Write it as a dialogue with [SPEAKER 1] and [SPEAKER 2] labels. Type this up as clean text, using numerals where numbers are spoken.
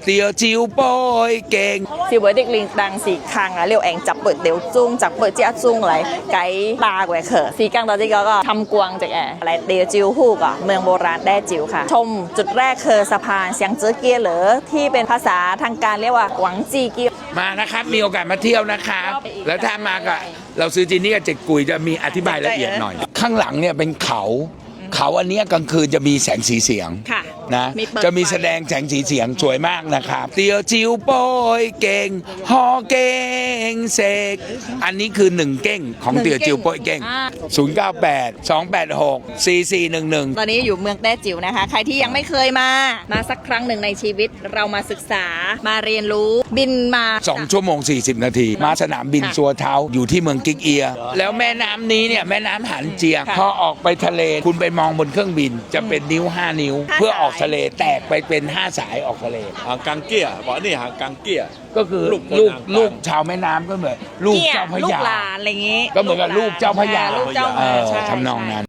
[SPEAKER 1] tiểu招杯勁。
[SPEAKER 2] 是會的練當時坑啊，撩人集撥了鐘，集撥即一鐘嚟計巴嘅課時間到ที่ก็ทำกวางจากอะไรเดียวจิวฮู้ก่อนเมืองโบราณแด้จิวค่ะชมจุดแรกคือสะพานเสียงเจื้อเกียหรือที่เป็นภาษาทางการเรียกว่าหวังจีเกีย
[SPEAKER 1] มานะครับมีโอกาสมาเที่ยวนะครับแล้วถ้ามากับเราซื้อจีนี่กับเจ็ดกุยจะมีอธิบายละเอียดหน่อย ข้างหลังเนี่ยเป็นเขาอันนี้กลางคืนจะมีแสงสีเสียงนะจะมีแสดงแสงสีเสียงสวยมากนะครับเตียวจิวโป้ยเก่งฮอเก่งเสกอันนี้คือ1เก้งของเตียวจิวโป้ยเก่ง098 286 4411
[SPEAKER 2] ตอนนี้อยู่เมืองแต้จิ๋วนะคะใครที่ยังไม่เคยมาสักครั้งหนึ่งในชีวิตเรามาศึกษามาเรียนรู้บินมา
[SPEAKER 1] 2 ชั่วโมง 40 นาทีมาสนามบินซัวเท้าอยู่ที่เมืองกิกเอียแล้วแม่น้ำนี้เนี่ยแม่น้ำหันเจียพอออกไปทะเลคุณไปมองบนเครื่องบินจะเป็นนิ้ว5 นิ้วเพื่อออกทะเลแตกไปเป็น5 สายออกทะเล
[SPEAKER 3] หางกังเกี้ยบอกนี่หางกังเกี้ย
[SPEAKER 1] ก็คือลูกชาวแม่น้ำก็เหมือนลูกเจ้าพระยา
[SPEAKER 2] ลูกหลานอะไรอย่างงี้
[SPEAKER 1] ก็เหมือนกับลูกเจ้าพระยา
[SPEAKER 2] ลูกเจ้า
[SPEAKER 1] ทำนองนั้น